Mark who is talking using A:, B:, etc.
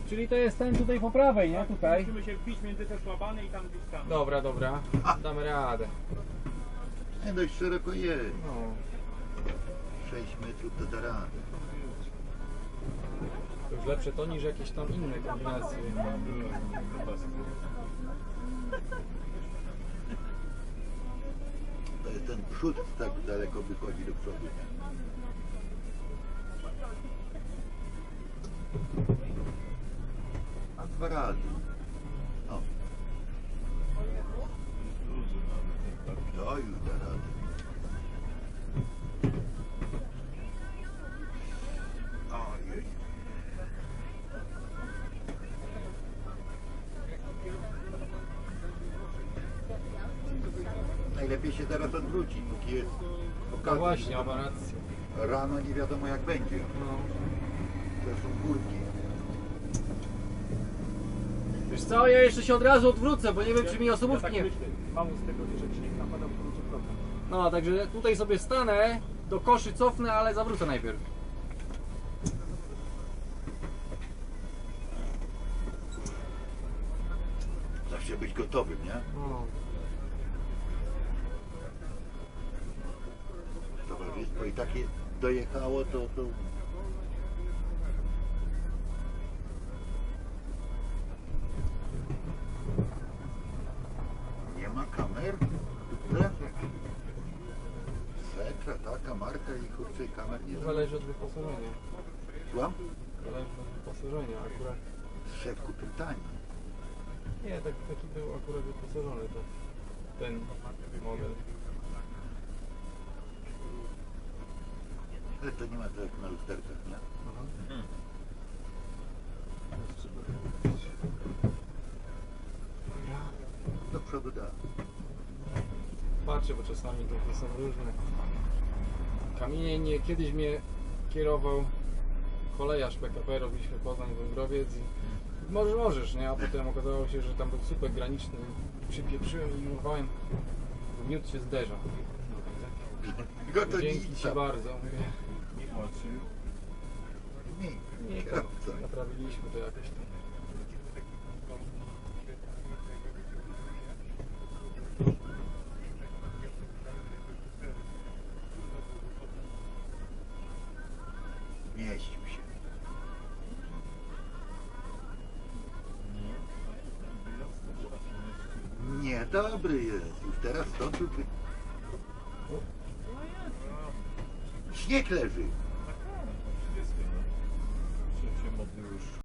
A: Czyli to jest ten tutaj po prawej, nie? Tutaj.
B: Musimy się wbić między te szłabany i tam gdzieś tam.
A: Dobra, dobra. Damy radę.
C: Nie, dość szeroko jest.
A: No.
C: 6 metrów to da radę.
A: To już lepsze to niż jakieś tam inne kombinacje.
C: To jest ten przód tak daleko wychodzi do przodu. A dwa razy. O. To już da radę. Ojej. Najlepiej się teraz odwrócić, póki jest
A: No
C: okazja.
A: właśnie, ma rację.
C: Rano nie wiadomo jak będzie.
A: No.
C: To są górki.
A: Wiesz co, ja jeszcze się od razu odwrócę, bo nie wiem czy mi osobówki
B: tak
A: nie...
B: myślę, mało z tego, że śnieg napadał w kierunku progu.
A: No, także tutaj sobie stanę, do koszy cofnę, ale zawrócę najpierw.
C: Zawsze być gotowym, nie?
A: No.
C: Towarzystwo i takie dojechało, to... Nie ma kamer? Setra, taka marka i kurczę kamer nie
A: Zależy od wyposażenia.
C: Słucham?
A: Zależy od wyposażenia akurat.
C: Szef kupił tani.
A: Nie, taki był akurat wyposażony to ten model.
C: Ale to nie ma tak jak na lusterkach, nie?
A: Aha.
C: Do przodu da.
A: Patrzę, bo czasami to są różne. Kamienie nie, kiedyś mnie kierował kolejarz PKP, robiliśmy Poznań-Węgrowiec i możesz, nie? A potem okazało się, że tam był słupek graniczny. Przypieprzyłem i urwałem. Miód się zderza.
C: Go to
A: Dzięki Ci bardzo.
C: Nie, kierowca.
A: Naprawiliśmy to jakoś tam.
C: Mieścił się. Nie, dobry jest. Już teraz to tu... Śnieg leży.